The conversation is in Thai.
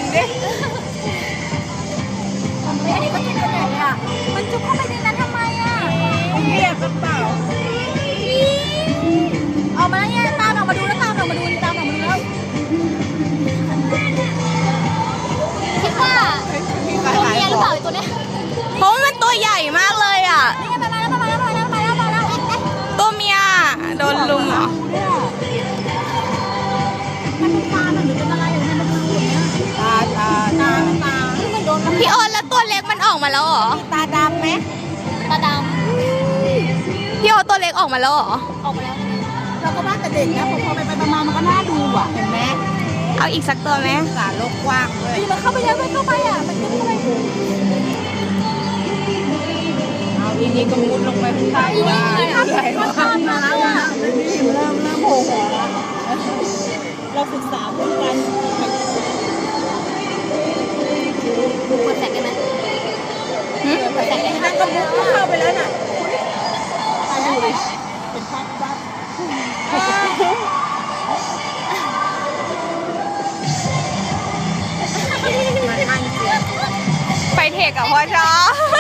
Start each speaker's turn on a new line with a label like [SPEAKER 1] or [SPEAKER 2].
[SPEAKER 1] ดิ
[SPEAKER 2] อันนี้ก็จุกกันใหญ่เลยอ่ะมันจุกเข้าไปในนั้นทำไมอ่ะ
[SPEAKER 1] เรียกกันเปล่า
[SPEAKER 2] ออกมาแล้วเนี่ยตามออกมาดูแล้วตามออกมาดูตามออกมาดูแล้วคิดว่า
[SPEAKER 1] มี
[SPEAKER 2] ตัว
[SPEAKER 1] ขาย
[SPEAKER 2] เมียหรือเปล่าไอ้ตัวเนี้ย
[SPEAKER 3] เพราะว่ามันตัวใหญ่มากเลยอ่ะ
[SPEAKER 2] นี่ไงมาแล้วมาแล้วมาแล้วมาแล้วมาแล้วมาแล้ว
[SPEAKER 3] ตัวเมียโดนลุมเหรอ
[SPEAKER 2] มันเป็นปลาหรือเป็นอะไรอยู่ในมันเป็นอย่างเงี้ย
[SPEAKER 1] ตา
[SPEAKER 2] ตาที่มันโดน
[SPEAKER 3] พี่โอนแล้วตัวเล็กมันออกมาแล้วเหรอ
[SPEAKER 1] ตาดำไหม
[SPEAKER 2] ตาด
[SPEAKER 3] พี่โอนตัวเล็กออกมาแล้วเหรอ
[SPEAKER 2] ำออกมาแล้ว
[SPEAKER 1] เราก็ว่าแต่เด็กนะพอไปมามันก็น่าดูอ่ะเห็นไหม
[SPEAKER 3] เอาอีกสักตัวไหม
[SPEAKER 1] สารโลกกว้างเลย
[SPEAKER 2] นี่มันเข้าไปแล้วมันเข้าไปอ่ะมันเข้าไป
[SPEAKER 1] เอาอีนี้ก็มุดลงไปใต้ว่าใหญ่มากมาแล้วอ่ะนี่เริ่มโผล่หัวแล้วเราศึกษาเพื่อนกัน
[SPEAKER 2] เปิดแสงได้ไหม
[SPEAKER 1] แต่นั่นก็มุดเข้าไปแล้วน่ะตาดูเลยเป็นภาพวาด
[SPEAKER 3] ไปเทคกับพ่อชอบ